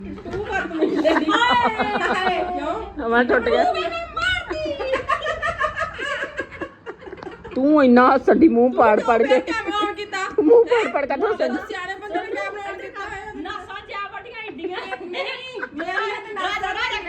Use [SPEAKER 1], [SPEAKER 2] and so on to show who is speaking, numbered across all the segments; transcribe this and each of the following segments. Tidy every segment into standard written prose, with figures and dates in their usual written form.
[SPEAKER 1] ਤੂੰ ਬਦਤਮੀਜ਼ ਦੀ ਕਿਉਂ
[SPEAKER 2] ਮੈਂ ਟੁੱਟ ਗਿਆ ਤੂੰ ਇੰਨਾ ਹੱਸਦੀ ਮੂੰਹ ਪਾੜ ਪੜ ਕੇ
[SPEAKER 1] ਕੈਮਰਾ ਆਨ ਕੀਤਾ
[SPEAKER 2] ਮੂੰਹ ਪਾੜ ਪੜ ਕੇ ਤੂੰ ਹੱਸਦੀ
[SPEAKER 1] ਸਿਆਣੇ ਬੰਦੇ ਨੇ ਕੈਮਰਾ ਆਨ ਕੀਤਾ ਹੋਇਆ
[SPEAKER 3] ਨਾਸਾਂ ਜਾ ਵੱਡੀਆਂ ਏਡੀਆਂ ਨਹੀਂ
[SPEAKER 1] ਮੇਰੀਆਂ ਤੇ ਨਾਸਾਂ
[SPEAKER 3] ਰਾਜਾ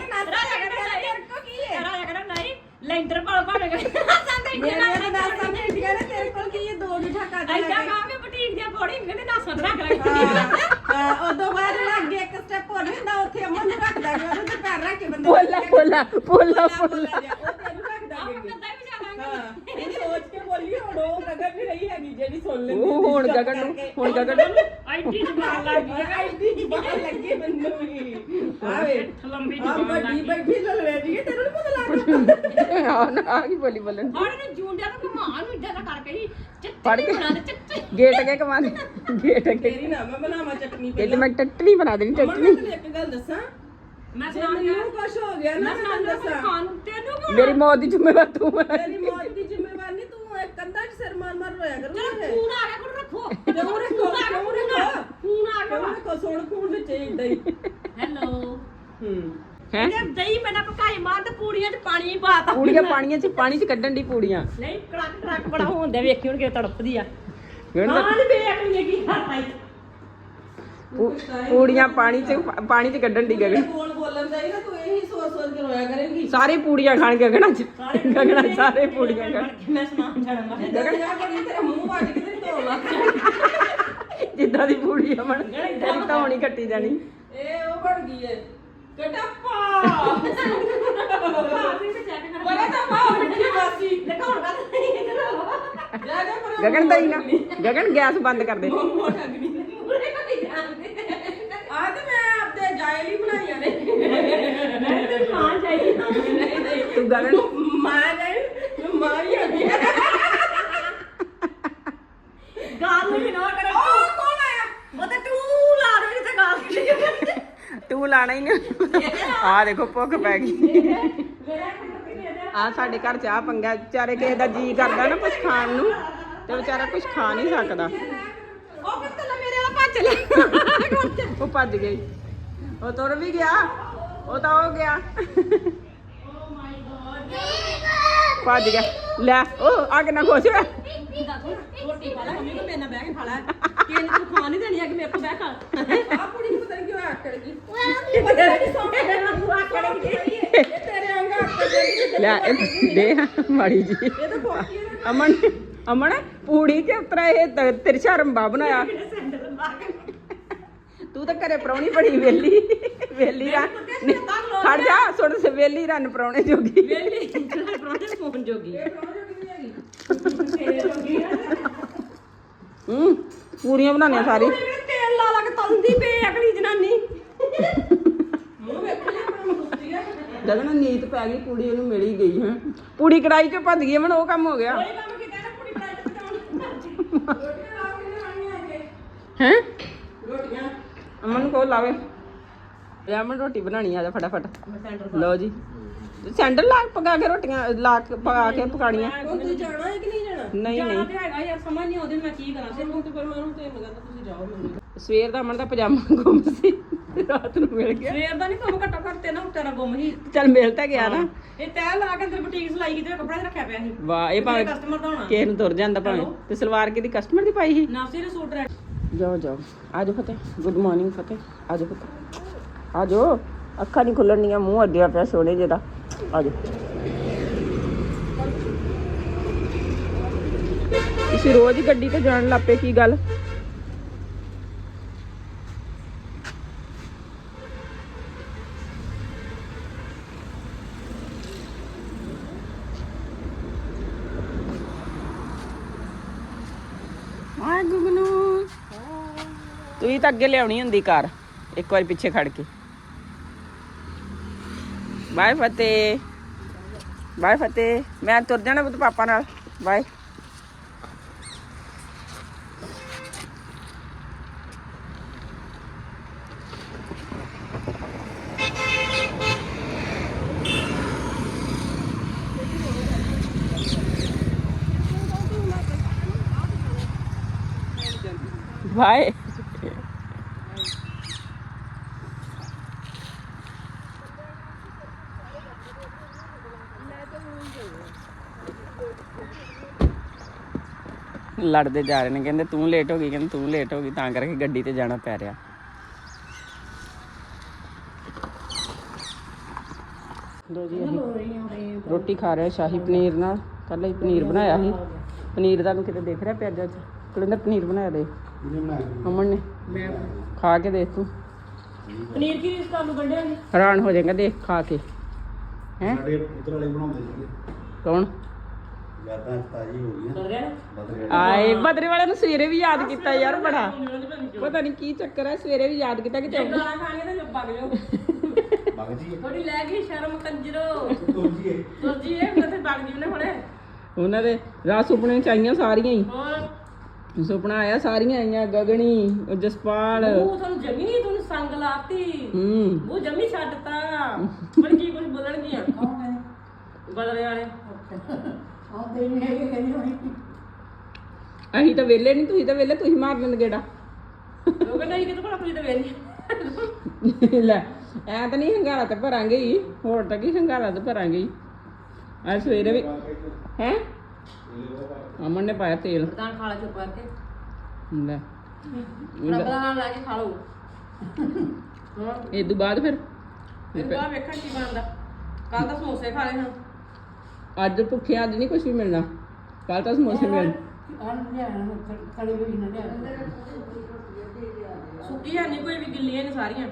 [SPEAKER 3] ਨਹੀਂ ਲੈਂਟਰ ਪੜ ਪੜ ਕੇ ਨਾਸਾਂ ਤੇ
[SPEAKER 1] ਮੇਰੀਆਂ ਤੇ ਨਾਸਾਂ ਨੇ ਇੰਡੀਆ ਨੇ ਤੇਰੇ ਕੋਲ ਕੀ ਇਹ ਦੋ ਜੂਠਾ ਕੱਢ
[SPEAKER 3] ਐਡਾ ਕਾਵੇਂ ਬੁਟੀਕ ਦੀਆਂ ਬੋੜੀ ਕਹਿੰਦੇ ਨਾਸਾਂ ਤੇ ਰੱਖ ਲੈ
[SPEAKER 1] ਹਾਂ ਉਦੋਂ ਬਾਅਦ ਜਿਹੜਾ ਅੱਗੇ ਇੱਕ ਸਟੈਪ ਹੋਰ ਹੁੰਦਾ ਉੱਥੇ ਅਮਨ ਨੂੰ ਰੱਖਦਾ ਗਿਆ ਉਹਦੇ ਤੇ ਪੈਰ ਰੱਖ ਕੇ ਬੰਦਾ
[SPEAKER 2] ਪੋਲਾ ਪੋਲਾ ਪੋਲਾ ਪੋਲਾ
[SPEAKER 1] ਉਹ ਤੈਨੂੰ ਰੱਖਦਾ ਗਿਆ
[SPEAKER 3] ਕੰਦਾ ਵੀ ਜਾਵਾਂਗੇ
[SPEAKER 1] ਹਾਂ ਇਹ ਸੋਚ ਕੇ ਬੋਲੀ ਹੁਣ ਉਹ ਗਗਨ ਵੀ ਰਹੀ ਹੈਗੀ ਜਿਹੜੀ ਸੁਣ ਲੈਂਦੀ
[SPEAKER 2] ਉਹ ਹੁਣ ਗਗਨ ਨੂੰ
[SPEAKER 3] ਐਡੀ ਜਮਾਨ ਲੱਗ ਗਈ
[SPEAKER 1] ਐਡੀ ਜ਼ਬਾਨ ਲੱਗੀ ਮੈਨੂੰ ਵੀ ਆਵੇ
[SPEAKER 3] ਲੰਬੀ
[SPEAKER 1] ਆ
[SPEAKER 3] ਜਮਾਨ ਲੱਗ
[SPEAKER 1] ਵੱਡੀ
[SPEAKER 3] ਗਈ
[SPEAKER 1] ਬੈਠੀ ਲੜ ਰਹੀ ਹੈ ਤੈਨੂੰ ਨੀ ਪਤਾ ਲੱਗਦਾ
[SPEAKER 2] ਆ ਨਾ ਆ ਕੀ ਬੋਲੀ ਬੋਲਣ
[SPEAKER 3] ਹੁਣ ਇਹਨੂੰ ਜੂੰਡਿਆ ਤਾਂ ਘੁਮਾ ਨੂੰ ਇੱਦਾਂ ਦਾ ਕਰਕੇ ਹੀ
[SPEAKER 2] ਫੜ
[SPEAKER 3] ਚੱਤੇ
[SPEAKER 2] ਕੇ
[SPEAKER 3] ਬਣਾ ਦੇ ਚੱਤੇ
[SPEAKER 2] ਗੇਟ ਕੇ ਕਮਾਨ ਗੇਟ ਕੇ
[SPEAKER 1] ਤੇਰੀ ਨਾ ਮੈਂ ਬਣਾਵਾਂ ਚਟਨੀ
[SPEAKER 2] ਇਹ
[SPEAKER 1] ਪਹਿਲਾਂ
[SPEAKER 2] ਮੈਂ ਟੱਟਣੀ ਬਣਾ ਦੇਣੀ
[SPEAKER 1] ਅਮਨ
[SPEAKER 2] ਟੱਟਣੀ
[SPEAKER 1] ਮੈਂ ਤੈਨੂੰ ਇੱਕ ਗੱਲ ਦੱਸਾਂ
[SPEAKER 3] ਮੈਂ
[SPEAKER 1] ਜੇ
[SPEAKER 3] ਸੁਣਾ
[SPEAKER 1] ਮੈਨੂੰ ਕੁਛ ਹੋ ਗਿਆ ਨਾ ਮੈਂ ਤੈਨੂੰ ਦੱਸਾਂ
[SPEAKER 3] ਖਾਣ ਤੈਨੂੰ ਕਿਉਂ
[SPEAKER 2] ਮੇਰੀ ਮੌਤ ਦੀ ਜ਼ਿੰਮੇਵਾਰ ਤੂੰ ਹੈ
[SPEAKER 1] ਤੇਰੀ ਮੌਤ ਦੀ ਜ਼ਿੰਮੇਵਾਰੀ ਨਹੀਂ ਤੂੰ ਇੱਕ ਕੰਧਾ 'ਚ ਸਿਰ ਮਾਰ ਮਾਰ ਰੋਇਆ
[SPEAKER 3] ਚਲੋ
[SPEAKER 1] ਕਰੂਗਾ
[SPEAKER 3] ਖੂਨ ਆ ਗਿਆ ਕੋਲ ਰੱਖੋ
[SPEAKER 1] ਕਿਉਂ ਰੱਖੋ ਕਿਉਂ ਰੱਖੋ
[SPEAKER 3] ਖੂਨ ਆ
[SPEAKER 1] ਕਿਉਂ
[SPEAKER 3] ਗਿਆ
[SPEAKER 1] ਰੱਖੋ ਸੁਣ ਖੂਨ ਵਿੱਚ ਏਦਾਂ ਹੀ
[SPEAKER 3] ਹੈਲੋ
[SPEAKER 2] ਹੈ
[SPEAKER 3] ਇਹ ਦਹੀਂ ਮੈਨਾਂ ਪਕਾਈ ਮਾਰ ਤੇ ਪੂੜੀਆਂ 'ਚ ਪਾਣੀ ਪਾਤਾ
[SPEAKER 2] ਪੂੜੀਆਂ ਪਾਣੀ ਚ ਕੱਢਣ ਦੀ ਪੂੜੀਆਂ
[SPEAKER 3] ਨਹੀਂ ਕੜਕ ਬੜਾ ਹੁੰਦਾ ਵੇਖੀ ਹੁਣ ਕਿ ਤੜਪਦੀ ਆ
[SPEAKER 2] ਹੁਣ
[SPEAKER 3] ਹਾਂ ਨਹੀਂ ਵੇਖ ਲਈ ਕੀ ਕਰਤਾ ਈ
[SPEAKER 2] ਪੂੜੀਆਂ ਪਾਣੀ ਚ ਕੱਢਣ ਦੀ ਗਗਨ
[SPEAKER 1] ਬੋਲ ਬੋਲਣ ਦਾ ਹੀ ਨਾ ਤੂੰ ਇਹੀ ਸੋਚ ਸੋਚ ਕੇ ਰੋਇਆ ਕਰੇਂਗੀ
[SPEAKER 2] ਸਾਰੇ ਪੂੜੀਆਂ ਖਾਣ ਗਗਨਾਂ ਚ ਗਗਨਾਂ ਸਾਰੇ ਪੂੜੀਆਂ ਖਾਣ
[SPEAKER 3] ਮੈਂ ਸੁਣਾ ਛੜਾ ਮੈਂ
[SPEAKER 1] ਗਗਨ ਜਾ ਕਰੀ ਤੇਰਾ ਮੂੰਹ ਵੱਜ ਕੇ ਤੇ ਧੋ ਲਾ
[SPEAKER 2] ਜਿੱਦਾਂ ਦੀ ਪੂੜੀ ਅਮਨ ਤੇਰੀ ਧੌਣੀ ਕੱਟੀ ਜਾਣੀ
[SPEAKER 1] ਇਹ ਉਹ ਬਣ ਗਈ ਹੈ ਕਟੱਪਾ ਬੜਾ ਤਾਂ ਪਾਉ ਮਿੱਠੀ ਮਾਸੀ
[SPEAKER 3] ਦਿਖਾਉਣ ਦਾ
[SPEAKER 1] ਜਾ ਜਾ ਪਰ
[SPEAKER 2] ਗਗਨ ਦਈ ਨਾ ਗਗਨ ਗੈਸ ਬੰਦ ਕਰ ਦੇ
[SPEAKER 1] ਮੋਹ ਠਗਣੀ
[SPEAKER 3] ਪੂਰੇ ਕੋਈ ਜਾਣਦੇ
[SPEAKER 1] ਆ ਤੇ ਮੈਂ ਆਪਦੇ ਜਾਇਲ ਹੀ ਬਣਾਈਆਂ ਨੇ
[SPEAKER 3] ਮੈਂ ਤੇ ਮਾਂ ਜਾਈ
[SPEAKER 1] ਨਹੀਂ ਨਹੀਂ
[SPEAKER 2] ਤੂੰ ਗਗਨ
[SPEAKER 1] ਮਾਂ ਜਾਇਲ ਮਾਂ ਹੀ ਆਦੀ
[SPEAKER 3] ਗਾਲ ਨੂੰ ਨਾ ਕਰੇ
[SPEAKER 1] ਉਹ ਕੌਣ ਆਇਆ
[SPEAKER 3] ਉਹ ਤੇ ਤੂੰ ਲਾ ਦੇ ਜਿੱਥੇ ਗਾਲ ਕੱਢੀ
[SPEAKER 2] ਤੂੰ ਲਾਣਾ ਹੀ ਨਹੀਂ ਆ ਦੇਖੋ ਭੁੱਖ ਪੈ ਗਈ ਆ ਸਾਡੇ ਘਰ ਚਾਹ ਪੰਗਾ ਵਿਚਾਰੇ ਕਿਸੇ ਦਾ ਜੀ ਕਰਦਾ ਨਾ ਕੁਝ ਖਾਣ ਨੂੰ ਤੇ ਵਿਚਾਰਾ ਕੁਝ ਖਾ ਨਹੀਂ ਸਕਦਾ
[SPEAKER 3] ਉਹ ਪੱਤਲਾ ਮੇਰੇ ਵਾਲਾ ਭੱਜ ਲੈ
[SPEAKER 2] ਉਹ ਭੱਜ ਗਈ ਉਹ ਤੁਰ ਵੀ ਗਿਆ ਉਹ ਤਾਂ ਹੋ ਗਿਆ ਭੱਜ ਗਿਆ ਲੈ ਉਹ ਅੱਗ ਨਾ ਖੁਸ਼ ਹੋਇਆ
[SPEAKER 3] ਰੋਟੀ ਖਾ ਲੈ ਮੰਮੀ ਕੋ ਮੇਰੇ ਨਾਲ ਬਹਿ ਕੇ ਖਾ ਲੈ ਕਿਸੇ ਨੇ ਤੂੰ ਖਾ ਨਹੀਂ ਦੇਣੀ ਆ ਕਿ ਮੇਰੇ ਕੋ ਬਹਿ ਖਾ
[SPEAKER 1] ਆ ਕੁੜੀ ਨੂੰ ਪਤਾ ਨਹੀਂ ਕਿਉਂ ਆਕੜ ਗਈ
[SPEAKER 3] ਇਹ
[SPEAKER 1] ਤੇਰੇ ਅੰਗਾ ਆਕੜ ਗਈ
[SPEAKER 2] ਲੈ ਇਹ ਦੇ ਮਾੜੀ ਜੀ
[SPEAKER 1] ਇਹ ਤਾਂ ਫੋਕੀ ਹੈ
[SPEAKER 2] ਅਮਨ ਅਮਨ ਪੂੜੀ ਕੇ ਉਤਰਾ ਇਹ ਤਿਰਛਾ ਰੰਬਾ ਬਣਾਇਆ ਤੂੰ ਤਾਂ ਘਰੇ ਪ੍ਰਾਹੁਣੀ ਬੜੀ ਵੇਲੀ ਰਨ ਖੜ ਜਾ ਸੁਣ ਸੇ ਵੇਲੀ ਰਨ ਪ੍ਰਾਹੁਣੇ ਜੋਗੀ
[SPEAKER 3] ਵੇਲੀ ਜਿਹੜਾ ਪਰੋਂਠੇ ਫੋਨ ਜੋਗੀ
[SPEAKER 1] ਇਹ ਪ੍ਰੋਜੈਕਟ ਨਹੀਂ ਹੈਗੀ
[SPEAKER 2] ਪੂਰੀਆਂ ਬਣਾਉਣੀਆਂ ਸਾਰੀ
[SPEAKER 3] ਤੇਲ ਲਾ ਲਾ ਕੇ ਤਲਦੀ ਪਈ ਅਗਲੀ ਜਨਾਨੀ
[SPEAKER 1] ਮੂੰਹ ਵੇਖ ਲੈ ਮੈਂ ਮੁੱਤੀ ਆ
[SPEAKER 2] ਜਗਨ ਨੀਤ ਪੈ ਗਈ ਪੂੜੀ ਉਹਨੂੰ ਮਿਲ ਹੀ ਗਈ ਹੈ ਪੂੜੀ ਕੜਾਈ ਚੋਂ ਭੱਜ ਗਈ ਅਮਨ ਉਹ ਕੰਮ ਹੋ ਗਿਆ
[SPEAKER 3] ਕੋਈ ਕੰਮ ਕੀਤਾ ਨਾ ਕੁੜੀ ਬਣਾਈ ਤੇ ਪਕਾਉਣ
[SPEAKER 1] ਰੋਟੀਆਂ ਲਾ ਕੇ ਲਿਆਉਣੀਆਂ ਅੱਗੇ
[SPEAKER 2] ਹੈ
[SPEAKER 1] ਰੋਟੀਆਂ
[SPEAKER 2] ਅਮਨ ਨੂੰ ਕਹੋ ਲਾਵੇ ਲੈ ਅਮਨ ਰੋਟੀ ਬਣਾਣੀ ਆ ਜਾ ਫਟਾਫਟ ਲਓ ਜੀ ਸੈਂਡਲ ਲਾ ਕੇ ਪਕਾ ਕੇ ਰੋਟੀਆਂ ਲਾ ਕੇ ਪਕਾ ਕੇ ਪਕਾਣੀਆਂ
[SPEAKER 1] ਹੁਣ ਤੁਸੀਂ ਜਾਣਾ ਹੈ ਕਿ ਨਹੀਂ ਜਾਣਾ
[SPEAKER 2] ਨਹੀਂ
[SPEAKER 3] ਜਾਣਾ
[SPEAKER 2] ਨਹੀਂ
[SPEAKER 3] ਤੇ ਹੈਗਾ ਯਾਰ ਸਮਝ ਨਹੀਂ ਆਉਂਦੀ ਮੈਂ ਕੀ ਕਰਾਂ
[SPEAKER 1] ਹੁਣ ਤੇ ਫਿਰ ਮੈਂ ਉਹਨੂੰ ਤੇ ਕਹਿੰਦਾ ਤੁਸੀਂ ਜਾਓ ਮੈਨੂੰ
[SPEAKER 2] ਸਵੇਰ ਦਾ ਅਮਨ ਦਾ ਪਜਾਮਾ ਗੁੰਮ ਸੀ ਰਾਤ ਨੂੰ ਮਿਲ ਗਿਆ
[SPEAKER 3] ਸਵੇਰ ਦਾ ਨਹੀਂ ਕੰਮ ਘੱਟੋ ਘੱਟ ਤੇ ਨਾ ਉੱਤੇ ਨਾ ਗੁੰਮ ਸੀ
[SPEAKER 2] ਚੱਲ ਮਿਲ ਤਾਂ ਗਿਆ ਨਾ
[SPEAKER 3] ਇਹ ਤੈਅ ਲਾ ਕੇ ਅੰਦਰ ਬੁਟੀਕ ਸਲਾਈ ਕੀਤੀ ਕੱਪੜਾ ਤੇ ਰੱਖਿਆ ਪਿਆ ਸੀ
[SPEAKER 2] ਵਾਹ ਇਹ ਭਾਵੇਂ
[SPEAKER 3] ਕਸਟਮਰ ਦਾ ਹੋਣਾ
[SPEAKER 2] ਕਿਸੇ ਨੂੰ ਤੁਰ ਜਾਂਦਾ ਭਾਵੇਂ ਤੇ ਸਲਵਾਰ ਕਿਹਦੀ ਕਸਟਮਰ ਦੀ ਪਾਈ ਸੀ
[SPEAKER 3] ਨਾਸੀ ਦੇ ਸੂਟ ਰੈਡ
[SPEAKER 2] ਜਾਓ ਜਾਓ ਆਜੋ ਫਤਿਹ ਗੁੱਡ ਮਾਰਨਿੰਗ ਫਤਿਹ ਆਜੋ ਫਤਿਹ ਆਜੋ ਅੱਖਾਂ ਨਹੀਂ ਖੁੱਲਣੀਆਂ ਮੂੰਹ ਅੱਡਿਆ ਪਿਆ ਸੋਹਣੇ ਜਿਹਦਾ ਆਜੋ ਤੁਸੀਂ ਰੋਜ਼ ਹੀ ਗੱਡੀ ਤੇ ਜਾਣ ਲੱਪੇ ਕੀ ਗੱਲ ਆ ਗੁਗਨੂ ਤੁਸੀਂ ਤਾਂ ਅੱਗੇ ਲਿਆਉਣੀ ਹੁੰਦੀ ਕਾਰ ਇੱਕ ਵਾਰੀ ਪਿੱਛੇ ਖੜ ਕੇ ਬਾਏ ਫਤਿਹ ਮੈਂ ਤੁਰ ਜਾਣਾ ਬੁੱਤ ਪਾਪਾ ਨਾਲ ਬਾਏ ਬਾਏ ਲੜਦੇ ਜਾ ਰਹੇ ਨੇ, ਕਹਿੰਦੇ ਤੂੰ ਲੇਟ ਹੋ ਗਈ, ਕਹਿੰਦੇ ਤੂੰ ਲੇਟ ਹੋ ਗਈ, ਤਾਂ ਕਰਕੇ ਗੱਡੀ ਤੇ ਜਾਣਾ ਪੈ ਰਿਹਾ। ਲੋ ਜੀ ਅਸੀਂ ਰੋਟੀ ਖਾ ਰਹੇ ਸ਼ਾਹੀ ਪਨੀਰ ਨਾਲ। ਕੱਲ੍ਹ ਹੀ ਪਨੀਰ ਬਣਾਇਆ ਸੀ। ਪਨੀਰ ਤੁਹਾਨੂੰ ਕਿਤੇ ਦੇਖ ਰਿਹਾ ਪਿਆਜ਼ਾਂ 'ਚ? ਕੁਲਿੰਦਰ ਪਨੀਰ ਬਣਾਇਆ ਦੇ ਅਮਨ ਨੇ,
[SPEAKER 3] ਮੈਂ
[SPEAKER 2] ਖਾ ਕੇ ਦੇਖ ਤੂੰ,
[SPEAKER 3] ਪਨੀਰ ਕੀ ਇਸ ਤੁਹਾਨੂੰ ਗੰਢਿਆ ਨਹੀਂ
[SPEAKER 2] ਹੈਰਾਨ ਹੋ ਜਾਏਗਾ ਦੇਖ ਖਾ ਕੇ। ਹੈ
[SPEAKER 4] ਸਾਡੇ ਪੁੱਤਰ ਵਾਲੇ ਬਣਾਉਂਦੇ ਸੀਗੇ,
[SPEAKER 2] ਕੌਣ?
[SPEAKER 4] ਯਾਦਾਂ ਤਾਜ਼ੀ ਹੋ ਗਈਆਂ।
[SPEAKER 3] ਕਰ ਰਿਹਾ
[SPEAKER 4] ਬਦਲੇ
[SPEAKER 2] ਆਏ ਬਦਰੇ ਵਾਲਿਆਂ ਨੂੰ ਸਵੇਰੇ ਵੀ ਯਾਦ ਕੀਤਾ ਯਾਰ, ਬੜਾ ਪਤਾ ਨਹੀਂ ਕੀ ਚੱਕਰ ਹੈ, ਸਵੇਰੇ ਵੀ ਯਾਦ ਕੀਤਾ ਕਿ
[SPEAKER 3] ਜੇ ਗਾਲਾਂ ਖਾਣੀਆਂ ਤਾਂ ਚੁੱਪ ਕਰ ਜਾਓ।
[SPEAKER 4] ਬਗ ਜੀ
[SPEAKER 3] ਥੋੜੀ ਲੈ ਗਈ ਸ਼ਰਮ ਕੰਜਰੋ
[SPEAKER 4] ਤੋਜੀਏ
[SPEAKER 3] ਤੁਰਜੀ ਇਹ ਮੈਂ ਤੇ ਬਗ ਜੀ ਨੇ ਫੜੇ
[SPEAKER 2] ਉਹਨਾਂ ਦੇ ਰਾਹ ਸੁਪਨੇ ਚ ਆਈਆਂ ਸਾਰੀਆਂ ਹੀ।
[SPEAKER 3] ਹੋਰ
[SPEAKER 2] ਸੁਪਨਾ ਆਇਆ, ਸਾਰੀਆਂ ਆਈਆਂ, ਗਗਣੀ, ਉਹ ਜਸਪਾਲ।
[SPEAKER 3] ਉਹ ਤੁਹਾਨੂੰ ਜਮੀ ਨਹੀਂ, ਤੁਹਾਨੂੰ ਸੰਗ ਲਾਤੀ। ਉਹ ਜਮੀ ਛੱਡਤਾ। ਮਨ ਕੀ ਕੁਝ ਬੋਲਣਗੀਆਂ ਬਦਲੇ ਵਾਲੇ
[SPEAKER 2] ਅਸੀਂ ਤਾਂ ਵਿਹਲੇ ਨਹੀਂ, ਤੁਸੀਂ ਤਾਂ ਵਿਹਲੇ, ਤੁਸੀਂ ਮਾਰ ਲੈਂਦੇ ਗੇੜਾ।
[SPEAKER 3] ਲੋਕ ਨਹੀਂ ਕਿਤੇ ਕੋਲ ਆਪਣੀ ਤੇ ਵੇਲੀ
[SPEAKER 2] ਲੈ ਐ ਤਾਂ ਨਹੀਂ ਹੰਗਾਰਾ ਤੇ ਭਰਾਂਗੇ ਹੀ, ਹੋਰ ਤਾਂ ਕੀ ਹੰਗਾਰਾ ਤੇ ਭਰਾਂਗੇ ਹੀ। ਅੱਜ ਸਵੇਰੇ ਵੀ ਹੈ ਅਮਨ ਨੇ ਪਾਇਆ ਤੇਲ।
[SPEAKER 3] ਪ੍ਰਧਾਨ ਖਾ ਲਾ ਚੁੱਪ ਕਰਕੇ,
[SPEAKER 2] ਲੈ
[SPEAKER 3] ਰੱਬ ਦਾ ਨਾਮ ਲੈ ਕੇ ਖਾ ਲਓ। ਹਾਂ
[SPEAKER 2] ਇਹ ਤੋਂ ਬਾਅਦ ਫਿਰ
[SPEAKER 3] ਇਹ ਬਾਅਦ ਵੇਖਣ ਕੀ ਬਣਦਾ। ਕੱਲ ਤਾਂ ਸਮੋਸੇ ਖਾ ਲਏ ਹਨ।
[SPEAKER 2] ਅੱਜ ਭੁੱਖੇ, ਅੱਜ ਨਹੀਂ ਕੁਝ ਵੀ ਮਿਲਣਾ, ਕੱਲ ਤਾਂ ਸਮੋਸੇ ਮਿਲ।
[SPEAKER 3] ਸੁੱਕੀ ਹੈ ਨਹੀਂ ਕੋਈ ਵੀ, ਗਿੱਲੀਆਂ ਨੇ ਸਾਰੀਆਂ।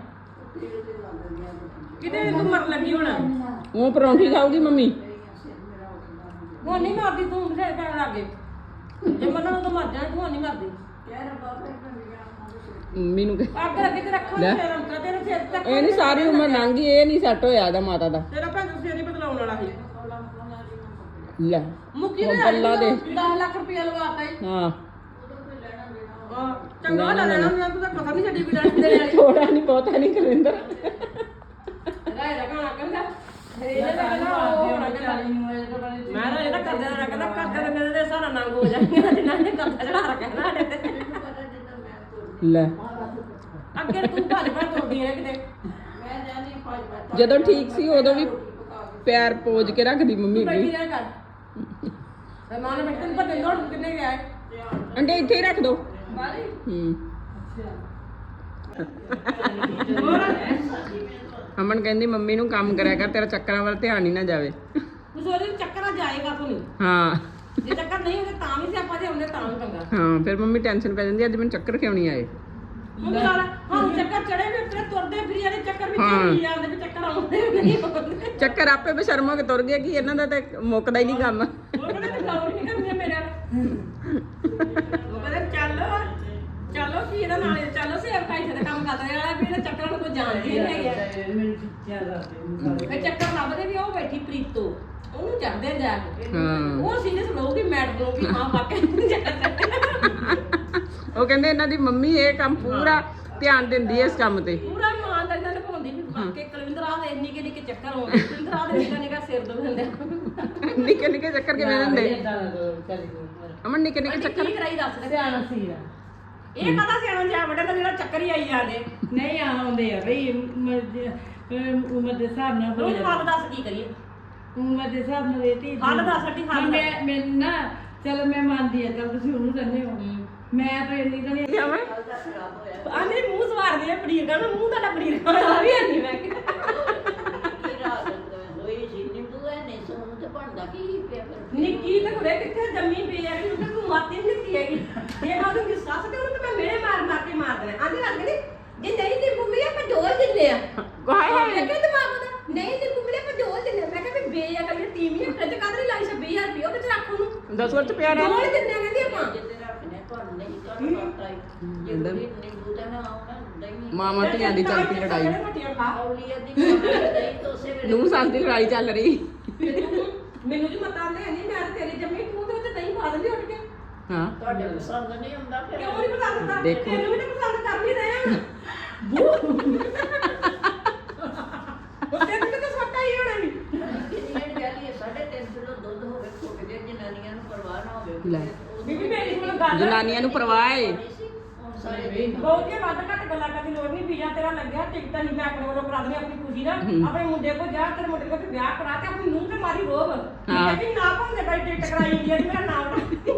[SPEAKER 3] ਕਿਤੇ ਤੂੰ ਮਰ ਲੱਗੀ ਹੋਣਾ।
[SPEAKER 2] ਉਹ ਪਰੌਂਠੀ ਖਾਊਗੀ ਮੰਮੀ।
[SPEAKER 3] ਹੁਣ ਨਹੀਂ ਮਰਦੀ ਤੂੰ, ਬਥੇਰੇ ਪੈਣ ਲੱਗ ਗਏ। ਜੇ ਮੰਨਣ ਤਾਂ ਮਰ ਜਾਣਾ, ਤੂੰ ਨਹੀਂ ਮਰਦੀ।
[SPEAKER 2] ਮੰਮੀ ਨੂੰ
[SPEAKER 3] ਅੱਗ ਲੱਗੇ ਤੇ ਰੱਖੋ
[SPEAKER 2] ਲੈ।
[SPEAKER 3] ਫੇਰ ਅੰਕਲ ਤੇਰੇ ਸਿਰ ਤੱਕ।
[SPEAKER 2] ਇਹ ਨਹੀਂ ਸਾਰੀ ਉਮਰ ਲੰਘ ਗਈ, ਇਹ ਨਹੀਂ ਸੈੱਟ ਹੋਇਆ ਇਹਦਾ ਮਾਤਾ ਦਾ।
[SPEAKER 3] ਤੇਰਾ ਭੈਣ ਸਿਰ ਨਹੀਂ ਬਦਲਾਉਣ ਵਾਲਾ ਸੀ।
[SPEAKER 2] ਲੈ
[SPEAKER 3] ਮੁੱਕੀ
[SPEAKER 2] ਉਹ
[SPEAKER 3] ਦੇ
[SPEAKER 2] ਪੱਲਾ ਦੇ।
[SPEAKER 3] 10 ਲੱਖ ਰੁਪਇਆ ਲਵਾਤਾ ਹੀ।
[SPEAKER 2] ਹਾਂ
[SPEAKER 3] ਚੰਗਾ ਲੈ ਲੈਣਾ ਹੁੰਦਾ, ਤੂੰ ਤਾਂ ਪਤਾ ਨਹੀਂ ਛੱਡੀ ਵੀ ਲੈਣ ਦੇ ਵਾਲੀ।
[SPEAKER 2] ਥੋੜਾ ਨਹੀਂ ਬਹੁਤਾ ਨਹੀਂ ਕਰਿੰਦਰ।
[SPEAKER 3] ਰਾਏ ਦਾ ਗਾਣਾ ਕਹਿੰਦਾ ਇਹਦੇ ਦਾ ਕਹਿੰਦਾ ਉਹ ਹੋਣਾ ਕਹਿੰਦਾ। ਮੈਂ ਨਾ ਇਹਦਾ ਕਰਦਿਆਂ ਦਾ ਕਹਿੰਦਾ ਕਰਦਿਆਂ ਦਾ ਮੇਰੇ ਸਾਰਾ ਨੰਗ ਹੋ ਜਾਏਗਾ ਜਿੰਨਾ ਨੇ ਕਰਦਾ ਚੜਾ ਰੱਖਿਆ ਸਾਡੇ ਤੇ।
[SPEAKER 2] ਲੈ
[SPEAKER 3] ਅੱਗੇ ਤੂੰ ਭੱਜ ਭੱਜ ਤੁਰਦੀ ਰਹਿ ਕਿਤੇ।
[SPEAKER 2] ਜਦੋਂ ਠੀਕ ਸੀ ਉਦੋਂ ਵੀ ਪੈਰ ਪੋਜ ਕੇ ਰੱਖਦੀ ਮੰਮੀ
[SPEAKER 3] ਬੈਠੀ
[SPEAKER 2] ਅੱਗੇ।
[SPEAKER 3] ਰਹਿ ਕਰ। ਮੈਂ ਮਾਂ ਨੇ ਬੈਠੇ ਨੂੰ ਭੱਜਣ ਦੌੜ ਕਿੰਨੇ ਗਿਆ ਹੈ।
[SPEAKER 2] ਅੰਡੇ ਇੱਥੇ ਹੀ ਰੱਖ ਦੋ।
[SPEAKER 3] ਬਾਲੀ
[SPEAKER 2] ਅਮਨ ਕਹਿੰਦੀ ਮੰਮੀ ਨੂੰ ਕੰਮ ਕਰਿਆ ਕਰ, ਤੇਰਾ ਚੱਕਰਾਂ ਵੱਲ ਧਿਆਨ ਹੀ ਨਾ ਜਾਵੇ।
[SPEAKER 3] ਕੁਝ ਉਹਦੇ ਚੱਕਰ ਜਾਏਗਾ ਤੂੰ ਨਹੀਂ।
[SPEAKER 2] ਹਾਂ
[SPEAKER 3] ਜੇ ਚੱਕਰ ਨਹੀਂ ਹੁੰਦੇ ਤਾਂ ਵੀ ਸਿਆਪਾ, ਜੇ ਹੁੰਦੇ ਤਾਂ ਵੀ ਪੰਗਾ।
[SPEAKER 2] ਹਾਂ ਫਿਰ ਮੰਮੀ ਟੈਨਸ਼ਨ ਪੈ ਜਾਂਦੀ, ਅੱਜ ਮੈਨੂੰ ਚੱਕਰ ਕਿਉਂ ਨਹੀਂ ਆਏ।
[SPEAKER 3] ਮੰਮੀ ਨਾਲ ਹਾਂ ਚੱਕਰ ਚੜੇ ਵੀ ਫਿਰ ਤੁਰਦੇ ਫਿਰੀ ਜਾਂਦੇ, ਚੱਕਰ ਵਿੱਚ ਹੀ ਜਾਂਦੇ ਵੀ ਚੱਕਰ ਆਉਂਦੇ ਨਹੀਂ ਆਉਂਦੇ।
[SPEAKER 2] ਚੱਕਰ ਆਪੇ ਬਸ਼ਰਮ ਹੋ ਕੇ ਤੁਰ ਗਏ ਕਿ ਇਹਨਾਂ ਦਾ ਤੇ ਮੁੱਕਦਾ ਹੀ ਨਹੀਂ ਕੰਮ।
[SPEAKER 3] ਉਹ ਕਹਿੰਦੇ ਤੇ ਗੌਰ ਨਹੀਂ ਕਰਨੀ ਮੇਰੇ ਨਾਲ। ਉਹ ਕਹਿੰਦੇ ਚਲੋ ਕੀ ਇਹਦਾ ਨਾਲ ਚਲੋ ਸੇਵ ਖਾਈ ਤੇ ਕੰਮ ਕਰਦੇ ਵਾਲਾ ਵੀ ਇਹਦਾ ਚੱਕਰਾਂ ਨੂੰ ਕੋਈ ਜਾਣਦੀ ਨਹੀਂ ਹੈਗੀ। ਫਿਰ ਚੱਕਰ ਲੱਭਦੇ ਵੀ ਉਹ ਬੈਠੀ ਪ੍ਰੀਤੋ, ਉਹਨੂੰ ਚੜਦੇ ਜਾ ਕੇ। ਉਹ ਸੀਰੀਅਸ ਲਊਗੀ ਮੈਡਮ ਨੂੰ ਵੀ ਹਾਂ ਵਾਕਿਆ ਚੱਕਰ।
[SPEAKER 2] ਉਹ ਕਹਿੰਦੇ ਇਹਨਾਂ ਦੀ ਮੰਮੀ ਇਹ ਕੰਮ ਪੂਰਾ ਧਿਆਨ ਦਿੰਦੀ ਹੈ ਇਸ ਕੰਮ ਤੇ।
[SPEAKER 3] ਪੂਰਾ ਇਮਾਨਦਾਰੀ ਨਾਲ ਨਿਭਾਉਂਦੀ ਵੀ ਵਾਕਿਆ ਕੁਲਵਿੰਦਰ ਆ ਦੇ ਨਿੱਕੇ ਨਿੱਕੇ ਚੱਕਰ ਆਉਂਦੇ। ਕੁਲਵਿੰਦਰ ਆ ਦੇ ਨਿੱਕਾ ਸਿਰ ਦੁਖਦੇ।
[SPEAKER 2] ਨਿੱਕੇ ਨਿੱਕੇ ਚੱਕਰ ਕਿਵੇਂ ਦਿੰਦੇ ਅਮਨ? ਨਿੱਕੇ ਨਿੱਕੇ ਚੱਕਰ
[SPEAKER 3] ਕੀ ਕਰਾਈ ਦੱਸ ਦੇ। ਸਿਆਣਾ ਸੀ ਇਹ ਕਹਦਾ ਸਿਆਣਾ ਜਾ ਵੱਡਾ ਤਾਂ ਜਿਹੜਾ ਚੱਕਰ ਹੀ ਆਈ ਜਾਂਦੇ।
[SPEAKER 5] ਨਹੀਂ ਆਉਂਦੇ ਆ ਬਈ ਉਮਰ ਦੇ ਹਿਸਾਬ ਨਾਲ
[SPEAKER 3] ਤੂੰ ਹੱਲ ਦੱਸ ਕੀ ਕਰੀਏ।
[SPEAKER 5] ਉਮਰ ਦੇ ਹਿਸਾਬ ਨਾਲ ਇਹ ਧੀ
[SPEAKER 3] ਹੱਲ ਦੱਸ ਅੱਡੀ ਹੱਲ ਦੱਸ।
[SPEAKER 5] ਮੈਂ ਨਾ ਚਲ ਮੈਂ ਮੰਨਦੀ ਆ, ਚਲ ਤੁਸੀਂ ਉਹਨੂੰ ਕਹਿੰਦੇ ਹੋ, ਮੈਂ ਤਾਂ ਇੰਨੀ ਤਾਂ ਨਹੀਂ।
[SPEAKER 3] ਆ ਮੇਰੇ ਮੂੰਹ ਸਵਾਰਦੇ ਆ ਪਨੀਰ ਦਾ, ਮੂੰਹ ਤੁਹਾਡਾ ਪਨੀਰ ਖਾਣਾ ਵੀ ਨਹੀਂ। ਮੈਂ ਨਿੱਕੀ ਤਾਂ ਕੁੜੇ ਕਿੱਥੇ ਜੰਮੀ ਪਈ ਆ ਕਿ ਤੂੰ ਮਾਤੀ ਨਹੀਂ ਦਿੱਤੀ ਹੈਗੀ। ਜੇ ਮੈਂ ਉਹਦੀ ਸੱਸ ਤੇ ਉਹਨੂੰ ਤਾਂ ਮੈਂ ਮੇਰੇ ਮਾਰ ਕੇ ਮਾਰ ਦੇਣਾ। ਆਂਦੀ ਲੱਗ ਗਈ ਜੇ ਨਹੀਂ ਦੀ ਮੰਮੀ ਆਪਾਂ ਢੋਲ ਦਿੰਦੇ ਆ।
[SPEAKER 2] ਹਾਏ ਹਾਏ
[SPEAKER 3] ਮੈਂ ਕਿਹਾ ਦਿਮਾਗ ਦਾ ਨਹੀਂ ਦੀ ਮੰਮੀ ਆਪਾਂ ਢੋਲ ਦਿੰਦੇ ਆ। ਮੈਂ ਕਿਹਾ ਵੀ ਬੇ ਆ ਕਰੀ ਤੀਵੀਂ ਆ ਫ੍ਰਿਜ ਕਾਹਦੇ ਲਈ ਲਾਈ 26000 ਰੁਪਏ ਉਹਦੇ ਚ ਰੱਖ ਉਹਨੂੰ
[SPEAKER 2] 10 ਵਰਤ ਪਿਆ ਰਹਿ।
[SPEAKER 3] ਢੋਲ ਦਿੰਦੇ ਆ ਕਹਿੰਦੀ ਆਪਾਂ।
[SPEAKER 2] ਮਾਮਾ ਧੀਆਂ ਦੀ ਚੱਲ ਪਈ ਲੜਾਈ।
[SPEAKER 3] ਰੋਟੀਆਂ ਖਾ।
[SPEAKER 2] ਨੂੰਹ ਸੱਸ ਦੀ ਲੜਾਈ ਚੱਲ ਰਹੀ।
[SPEAKER 3] ਮੈਨੂੰ ਜੀ ਮਤਾਂ ਲੈ ਨਹੀਂ, ਮੈਂ ਤੇਰੀ ਜੰਮੀ ਤੂੰ ਤੇ ਉੱਤੇ ਦਹੀਂ ਪਾ ਦਿੰਦੀ ਉੱਠ ਕੇ।
[SPEAKER 2] ਹਾਂ
[SPEAKER 3] ਤੁਹਾਡੇ ਪਸੰਦ ਨਹੀਂ ਹੁੰਦਾ ਫਿਰ ਕਿਉਂ ਨਹੀਂ ਪਸੰਦ ਕਰਦਾ?
[SPEAKER 2] ਦੇਖੋ।
[SPEAKER 3] ਤੈਨੂੰ ਵੀ ਤਾਂ ਪਸੰਦ ਕਰ ਨਹੀਂ ਰਹੇ ਹੁਣ। ਉਹ ਤੈਨੂੰ ਕਿਤੇ ਸੋਟਾ ਹੀ ਹੋਣਾ ਨਹੀਂ।
[SPEAKER 2] ਲੈ
[SPEAKER 3] ਬੀਬੀ ਮੇਰੀ ਹੁਣ ਗੱਲ
[SPEAKER 2] ਜਨਾਨੀਆਂ ਨੂੰ ਪਰਵਾਹ ਏ।
[SPEAKER 3] ਬਹੁਤੀਆਂ ਵੱਧ ਘੱਟ ਗੱਲਾਂ ਕਰਨ ਦੀ ਲੋੜ ਨਹੀਂ। ਵੀਜ਼ਾ ਤੇਰਾ ਲੱਗਿਆ, ਟਿਕਟ ਹੀ ਮੈਂ ਆਪਣੇ ਵੱਲੋਂ ਕਰਾ ਦਿੰਦੀ ਆਪਣੀ ਖੁਸ਼ੀ ਨਾਲ। ਆਪਣੇ ਮੁੰਡੇ ਕੋਲ ਜਾ, ਤੇਰੇ ਮੁੰਡੇ ਕੋਲ ਵਿਆਹ ਕਰਾ ਤੇ ਆਪਣੀ ਨੂੰਹ ਤੇ ਮਾਰੀ ਰੋਬ।
[SPEAKER 2] ਹਾਂ।
[SPEAKER 3] ਵੀ ਨਾ ਭਾਉਂਦੇ ਬਾਈ ਟਿਕਟ ਕਰਾਈ ਇੰਡੀਆ ਦੀ, ਮੇਰਾ ਨਾਮ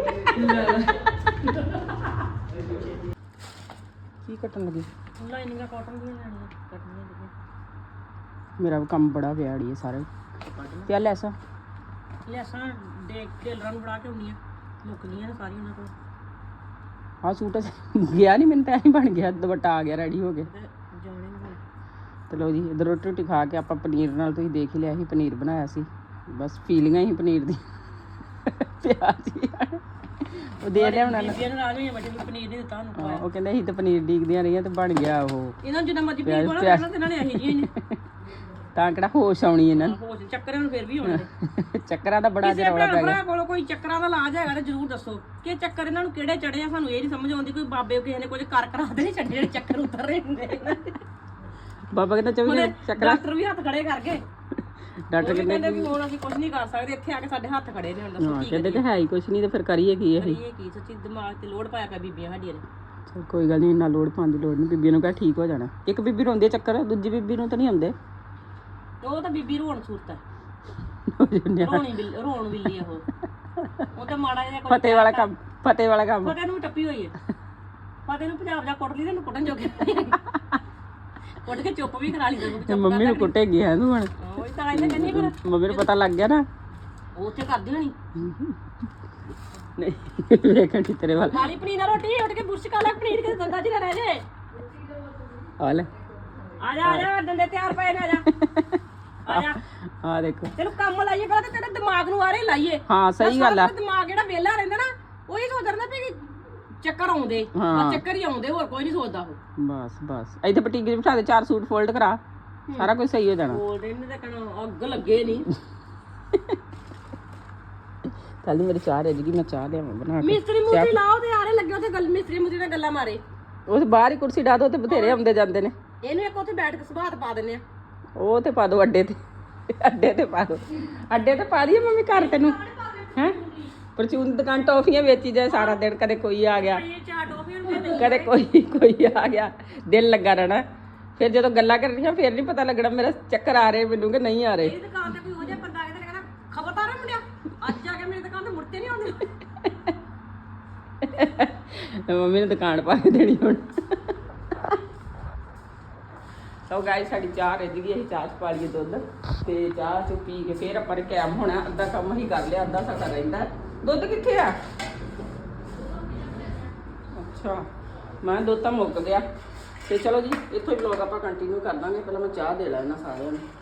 [SPEAKER 2] ਕੀ ਕੱਟਣ ਲੱਗੀ?
[SPEAKER 3] ਲਾਈਨਿੰਗਾਂ ਕਾਟਨ ਦੀਆਂ ਲੈਣੀਆਂ, ਕੱਟਣੀਆਂ ਜਿਹੜੀਆਂ।
[SPEAKER 2] ਮੇਰਾ ਵੀ ਕੰਮ ਬੜਾ ਪਿਆ ਅੜੀਏ ਸਾਰੇ। ਤੇ ਆ ਲੈਸਾਂ
[SPEAKER 3] ਲੈਸਾਂ ਦੇ ਟੇਲਰਾਂ ਨੂੰ ਫੜਾ ਕੇ ਆਉਂਦੀਆਂ, ਮੁੱਕਦੀਆਂ ਨੇ ਸਾਰੀਆਂ ਉਹਨਾਂ ਕੋਲ।
[SPEAKER 2] ਆਹ ਸੂਟ ਗਿਆ ਨਹੀਂ, ਮੈਨੂੰ ਤਾਂ ਐਂ ਬਣ ਗਿਆ, ਦੁਪੱਟਾ ਆ ਗਿਆ ਰੈਡੀ ਹੋ ਕੇ।
[SPEAKER 3] ਤੇ ਜਾਣੇ ਨੇ ਹੁਣ।
[SPEAKER 2] ਤੇ ਲਓ ਜੀ, ਇੱਧਰ ਰੋਟੀ ਰੋਟੀ ਖਾ ਕੇ ਆਪਾਂ ਪਨੀਰ ਨਾਲ, ਤੁਸੀਂ ਦੇਖ ਹੀ ਲਿਆ ਸੀ ਪਨੀਰ ਬਣਾਇਆ ਸੀ। ਬਸ ਫੀਲਿੰਗਾਂ ਹੀ ਪਨੀਰ ਦੀ ਪਿਆਜ਼ ਹੀ ਉਹ ਦੇ ਲਿਆ ਉਹਨਾਂ ਨੇ।
[SPEAKER 3] ਬੀਬੀਆਂ ਨੂੰ ਰਾਜ ਹੋਈਆਂ, ਬੱਚੇ ਨੂੰ ਪਨੀਰ ਨਹੀਂ ਦਿੱਤਾ ਉਹਨੂੰ ਖਵਾਇਆ।
[SPEAKER 2] ਉਹ ਕਹਿੰਦੇ ਅਸੀਂ ਤਾਂ ਪਨੀਰ ਡੀਕਦੀਆਂ ਰਹੀਆਂ ਤੇ ਬਣ ਗਿਆ ਉਹ।
[SPEAKER 3] ਇਹਨਾਂ ਨੂੰ ਜਿੰਨਾ ਮਰਜ਼ੀ ਪਨੀਰ ਕੋਲ ਕਰਨਾ ਤੇ ਇਹਨਾਂ ਨੇ ਇਹੀ ਜਿਹੀਆਂ ਨੇ।
[SPEAKER 2] ਤਾਂ ਕਿਹੜਾ ਹੋਸ਼ ਆਉਣੀ ਇਹਨਾਂ ਨੂੰ।
[SPEAKER 3] ਹੋਸ਼ ਚੱਕਰਾਂ ਨੂੰ ਫਿਰ ਵੀ ਹੋਣੇ ਨੇ।
[SPEAKER 2] ਚੱਕਰਾਂ ਦਾ ਬੜਾ
[SPEAKER 3] ਕਿਸੇ
[SPEAKER 2] ਰੌਲਾ ਪੈ
[SPEAKER 3] ਭਰਾ
[SPEAKER 2] ਗਿਆ।
[SPEAKER 3] ਕੋਲ ਕੋਈ ਚੱਕਰਾਂ ਦਾ ਇਲਾਜ ਹੈਗਾ ਤੇ ਜ਼ਰੂਰ ਦੱਸੋ ਕਿ ਚੱਕਰ ਇਹਨਾਂ ਨੂੰ ਕਿਹੜੇ ਚੜੇ ਆ। ਸਾਨੂੰ ਇਹ ਨਹੀਂ ਸਮਝ ਆਉਂਦੀ, ਕੋਈ ਬਾਬੇ ਕਿਸੇ ਨੇ ਕੁਝ ਕਰ ਕਰਾ ਦੇ ਨਹੀਂ ਛੱਡੇ ਜਿਹੜੇ ਚੱਕਰ ਉਤਰ ਰਹੇ ਹੁੰਦੇ ਇਹਨਾਂ ਦੇ।
[SPEAKER 2] ਬਾਬਾ ਕਹਿੰਦਾ 24 ਚੱਕਰਾਂ।
[SPEAKER 3] ਡਾਕਟਰ ਵੀ ਹੱਥ ਖੜੇ ਕਰ ਗਏ।
[SPEAKER 2] ਡਾਕਟਰ
[SPEAKER 3] ਕਹਿੰਦੇ ਵੀ ਹੁਣ ਅਸੀਂ ਕੁਝ ਨਹੀਂ ਕਰ ਸਕਦੇ, ਇੱਥੇ ਆ ਕੇ ਸਾਡੇ ਹੱਥ ਖੜੇ ਨੇ। ਹੁਣ ਦੱਸੋ
[SPEAKER 2] ਹਾਂ,
[SPEAKER 3] ਕੀ
[SPEAKER 2] ਕਹਿੰਦੇ ਤੇ ਹੈ ਹੀ ਕੁਛ ਨਹੀਂ, ਤੇ ਫਿਰ ਕਰੀਏ ਕੀ ਅਸੀਂ।
[SPEAKER 3] ਕਰੀਏ ਕੀ? ਸੱਚੀ ਦਿਮਾਗ ਤੇ ਲੋਡ ਪਾਇਆ ਪਿਆ ਬੀਬੀਆਂ ਸਾਡੀਆਂ ਨੇ।
[SPEAKER 2] ਚਲ ਕੋਈ ਗੱਲ ਨਹੀਂ, ਇੰਨਾ ਲੋੜ ਪਾਉਣ ਦੀ ਲੋੜ ਨਹੀਂ। ਬੀਬੀਆਂ ਨੂੰ ਕਹਿ ਠੀਕ ਹੋ ਜਾਣਾ। ਇੱਕ ਬੀਬੀ ਰੋਂਦੀ ਹੈ ਚੱਕਰ, ਦੂਜੀ ਬੀਬੀ ਨੂੰ ਤਾਂ ਨਹੀਂ ਆਉਂਦੇ।
[SPEAKER 3] ਉਹ ਤਾਂ ਬੀਬੀ ਰੋਣ ਸੂਰਤ ਹੈ, ਰੋਣ ਬਿੱਲੀ ਆ ਉਹ ਤਾਂ ਮਾੜਾ ਜਿਹਾ ਕੁਝ
[SPEAKER 2] ਫਤਿਹ ਵਾਲਾ ਕੰਮ, ਫਤਿਹ ਵਾਲਾ ਕੰਮ।
[SPEAKER 3] ਫਤਿਹ ਨੂੰ ਵੀ ਟੱਪੀ ਹੋਈ ਹੈ। ਫਤਿਹ ਨੂੰ ਪੰਜਾਬ ਜਾ ਕੁੱਟ ਲਈ, ਇਹਨੂੰ ਕੁੱਟਣ ਜੋਗੇ ਕੁੱਟ ਕੇ ਚੁੱਪ ਵੀ ਕਰਾ ਲਈ
[SPEAKER 2] ਤੇ ਮੰਮੀ ਨੂੰ ਕੁੱਟੇਗੀ ਹੈ ਤੂੰ ਹੁਣ।
[SPEAKER 3] ਉਹ ਤਾਂ ਇਹਨੇ ਕਹਿੰਦੀ ਫਿਰ
[SPEAKER 2] ਮੰਮੀ ਨੂੰ ਪਤਾ ਲੱਗ ਗਿਆ ਨਾ।
[SPEAKER 3] ਉਹ ਉੱਥੇ ਕਰਦੀ ਹੋਣੀ
[SPEAKER 2] ਨਹੀਂ ਵੇਖਣ ਦੀ ਤੇਰੇ ਵੱਲ।
[SPEAKER 3] ਖਾਲੀ ਪਨੀਰ ਨਾਲ ਰੋਟੀ ਉੱਠ ਕੇ ਬੁਰਸ਼ ਕਰ ਲੈ, ਪਨੀਰ ਕਿਤੇ ਦੰਦਾਂ 'ਚ ਨਾ ਰਹਿ ਜੇ।
[SPEAKER 2] ਆ ਲੈ,
[SPEAKER 3] ਆ ਜਾ ਡੰਡੇ ਤਿਆਰ ਪਏ ਨੇ, ਆ ਜਾ ਆ ਜਾ।
[SPEAKER 2] ਆ ਦੇਖੋ।
[SPEAKER 3] ਤੈਨੂੰ ਕੰਮ ਲਾਈਏ ਪਹਿਲਾਂ ਤੇ ਤੇਰੇ ਦਿਮਾਗ ਨੂੰ ਆਰੇ ਲਾਈਏ।
[SPEAKER 2] ਹਾਂ ਸਹੀ ਗੱਲ ਆ।
[SPEAKER 3] ਦਿਮਾਗ ਜਿਹੜਾ ਵਿਹਲਾ ਰਹਿੰਦਾ ਨਾ, ਉਹੀ ਸੋਚਦਾ ਰਹਿੰਦਾ ਵੀ ਚੱਕਰ ਆਉਂਦੇ, ਬਸ ਚੱਕਰ ਹੀ ਆਉਂਦੇ, ਹੋਰ ਕੋਈ ਨਹੀਂ ਸੋਚਦਾ ਉਹ।
[SPEAKER 2] ਬਸ ਬਸ ਇੱਥੇ ਬਟੀਕ 'ਚ ਬਿਠਾ ਦੇ, 4 ਸੂਟ ਫੋਲਡ ਕਰਾ, ਸਾਰਾ ਕੁਝ ਸਹੀ ਹੋ ਜਾਣਾ।
[SPEAKER 3] ਫੋਲਡ ਇਹਨੇ ਤਾਂ ਕਹਿਣਾ ਅੱਗ ਲੱਗੇ ਨਹੀਂ।
[SPEAKER 2] ਕੱਲ ਮੇਰੀ ਚਾਹ ਰਹਿ ਜੂਗੀ, ਮੈਂ ਚਾਹ ਲਿਆਵਾਂ ਬਣਾ ਕੇ।
[SPEAKER 3] ਮਿਸਤਰੀ ਮੁਸਤਰੀ ਲਾਓ ਤੇ ਆਰੇ ਲੱਗੇ ਉੱਥੇ ਗੱਲ, ਮਿਸਤਰੀ ਮੁਸਤਰੀ ਨਾਲ ਗੱਲਾਂ ਮਾਰੇ।
[SPEAKER 2] ਉਹ ਬਾਹਰ ਹੀ ਕੁਰਸੀ ਡਾ ਦੋ ਤੇ ਬਥੇਰੇ ਆਉਂਦੇ ਜਾਂਦੇ ਨੇ।
[SPEAKER 3] ਇਹਨੂੰ ਇੱਕ ਉੱਥੇ ਬੈਠ ਕੇ ਸੁਭਾਤ ਪਾ ਦਿੰਨੇ ਆ।
[SPEAKER 2] ਉਹ ਤੇ ਪਾ ਦੋ ਅੱਡੇ ਤੇ, ਅੱਡੇ ਤੇ ਪਾ ਦੋ, ਅੱਡੇ ਤੇ ਪਾ ਦਈਏ ਮੰਮੀ ਘਰ ਤੈਨੂੰ ਹੈ। ਪਰਚੂਨ ਦੀ ਦੁਕਾਨ ਟੌਫੀਆਂ ਵੇਚੀ ਜਾਏ ਸਾਰਾ ਦਿਨ, ਕਦੇ ਕੋਈ ਆ ਗਿਆ,
[SPEAKER 3] ਇਹ ਚਾਰ ਟੋਫੀਆਂ ਨੂੰ ਦੇ
[SPEAKER 2] ਕਦੇ ਕੋਈ ਆ ਗਿਆ, ਦਿਲ ਲੱਗਾ ਰਹਿਣਾ। ਫਿਰ ਜਦੋਂ ਗੱਲਾਂ ਕਰਨੀਆਂ ਫਿਰ ਨਹੀਂ ਪਤਾ ਲੱਗਣਾ ਮੇਰਾ ਚੱਕਰ ਆ ਰਹੇ ਮੈਨੂੰ ਕਿ ਨਹੀਂ ਆ ਰਹੇ।
[SPEAKER 3] ਇਹ ਦੁਕਾਨ ਤੇ ਕੋਈ ਹੋ ਜਾ ਬੰਦਾ ਆ ਕੇ ਤੇ ਕਹਿੰਦਾ ਖਬਰਦਾਰ ਹੈ ਮੁੰਡਿਆ, ਅੱਜ ਆ ਕੇ ਮੇਰੀ ਦੁਕਾਨ ਤੇ ਮੁੜਤੇ ਨਹੀਂ ਆਉਂਦੇ।
[SPEAKER 2] ਤੇ ਮੰਮੀ ਨੇ ਦੁਕਾਨ ਪਾ ਕੇ ਦੇਣੀ ਹੁਣ। ਸੋ ਗਾਇਸ, ਸਾਡੀ ਚਾਹ ਰਿੱਝ ਗਈ, ਅਸੀਂ ਚਾਹ 'ਚ ਪਾ ਲਈਏ ਦੁੱਧ ਤੇ ਚਾਹ 'ਚ ਪੀ ਕੇ ਫਿਰ ਆਪਾਂ ਨੇ ਕੈਮ ਹੋਣਾ। ਅੱਧਾ ਕੰਮ ਹੀ ਕਰ ਲਿਆ, ਅੱਧਾ ਸਾਡਾ ਰਹਿੰਦਾ। ਦੁੱਧ ਕਿੱਥੇ ਆ? ਅੱਛਾ, ਮੈਂ ਦੁੱਧ ਤਾਂ ਮੁੱਕ ਗਿਆ। ਤੇ ਚਲੋ ਜੀ, ਇੱਥੋਂ ਹੀ ਵਲੌਗ ਆਪਾਂ ਕੰਟੀਨਿਊ ਕਰ ਦਾਂਗੇ। ਪਹਿਲਾਂ ਮੈਂ ਚਾਹ ਦੇ ਲਾਂ ਇਹਨਾਂ ਸਾਰਿਆਂ ਨੂੰ।